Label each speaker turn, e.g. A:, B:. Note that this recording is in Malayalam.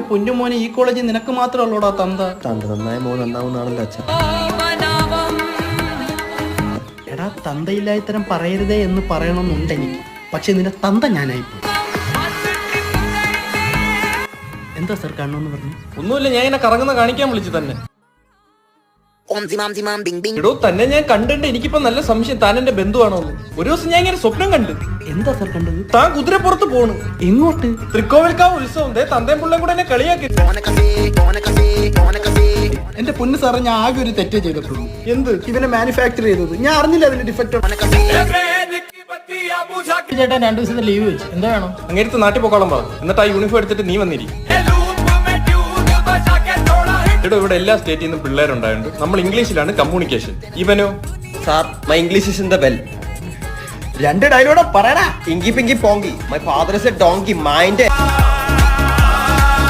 A: പൊന്നുമോനെ ഈ കോളേജിൽ നിനക്ക് മാത്രമല്ലോടാ തന്ത.
B: നന്നായ മോൻ നന്നാവുന്നാണല്ലോ അച്ഛൻ.
A: എടാ തന്തയില്ലാ ഇത്തരം പറയരുതേ എന്ന് പറയണമെന്നുണ്ട് എനിക്ക്. പക്ഷെ നിന്റെ തന്ത ഞാനായിപ്പോ. എന്താ സർ കാണണമെന്ന് പറഞ്ഞു?
C: ഒന്നുമില്ല, ഞാൻ ഇങ്ങനെ കറങ്ങുന്ന കാണിക്കാൻ വിളിച്ചു തന്നെ. എടോ തന്നെ ഞാൻ കണ്ടിട്ട് എനിക്കിപ്പോ നല്ല സംശയം താൻ എന്റെ ബന്ധുവാണോ. ഒരു ദിവസം ഞാൻ ഇങ്ങനെ സ്വപ്നം കണ്ടു.
A: എന്താ സർ കണ്ടത്?
C: താൻ കുതിരപ്പുറത്ത് പോണു.
A: എങ്ങോട്ട്?
C: തൃക്കോവിൽക്കാവ് ഉത്സവം. തന്തയും പിള്ളയും കൂടെ എന്നെ കളിയാക്കി.
A: എന്റെ പൊന്ന് സാറേ, ഞാൻ ആകെ ഒരു തെറ്റേ ചെയ്തിട്ടുള്ളൂ.
C: എന്ത്?
A: ഇവനെ മാനുഫാക്ചർ ചെയ്തത് ഞാൻ അറിഞ്ഞില്ല. അതിന്റെ ഡിഫക്റ്റ് ചേട്ടാ 2 ദിവസത്തെ ലീവ് വെച്ചു. എന്താ വേണം?
C: അങ്ങേരത്ത് നാട്ടിൽ പോക്കോളം പറ. എന്നിട്ട് ആ യൂണിഫോം എടുത്തിട്ട് നീ വന്നിരി. എടോ ഇവിടെ എല്ലാ സ്റ്റേറ്റിൽ നിന്നും പിള്ളേരുണ്ടായുണ്ട്. നമ്മൾ ഇംഗ്ലീഷിലാണ് കമ്മ്യൂണിക്കേഷൻ. ഇവനോ?
B: Sir, my English is in the bell.
A: 2 dialogue പറയടാ.
B: Inky pinky ponky, my father is a donkey, mind.